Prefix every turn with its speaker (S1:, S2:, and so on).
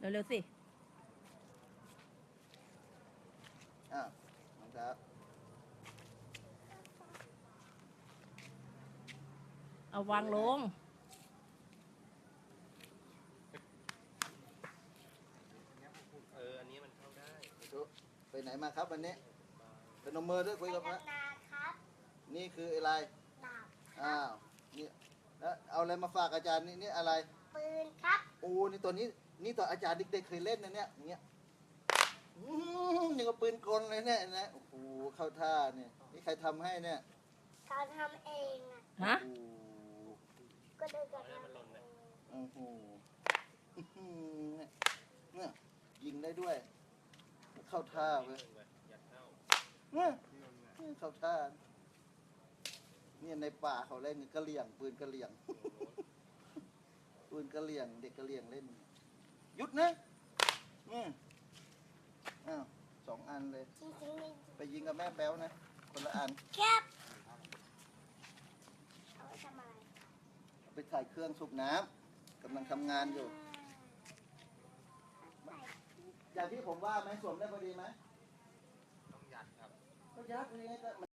S1: เร็วๆสิ
S2: อ้าวน้องครับ
S1: เอาวางลง
S3: อันนี้มันเข้าได้
S2: ไปไหนมาครับวันนี้เป็นนมมือด้วยคุยกับพระ
S4: นาครับ
S2: นี่คืออะไร
S4: ดาบ
S2: อ้าวนี่แล้วเอาอะไรมาฝากอาจารย์นี่อะไร
S4: ปืนครับ
S2: โอ้นี่ตัวนี้นี่ตัวอาจารย์เด็กๆเคยเล่นนะเนี่ยอย่างเงี้ยนี่ก็ปืนกลเลยเนี่ยนะโอ้โหเข้าท่าเนี่ยนี่ใครทำให้เนี่ย
S4: เขาทำเองอ่ะ
S1: ฮะ
S2: โอ้โห
S4: ก็เลยจะทำเอง
S2: โอ้โหเนี่ยยิงได้ด้วย เข้าท่าเว้ยเนี่ยเข้าท่าเนี่ยในป่าเขาเล่นกระเหลี่ยงปืนกระเหลี่ยงปืนกระเหลี่ยงเด็กกระเหลี่ยงเล่นหยุดนะอ้าว2 อันเลย
S4: จริงๆนี่
S2: ไปยิงกับแม่แป๊วนะคนละอัน
S4: แคบเอาไว้ทำอะไร
S2: ไปถ่ายเครื่องสูบน้ำกำลังทำงานอยู่
S4: ใส่
S2: อย่างที่ผมว่าไหมสวมได้พอดีไหม
S3: ต้องยัดครับ
S2: ก็ยักษ์เลย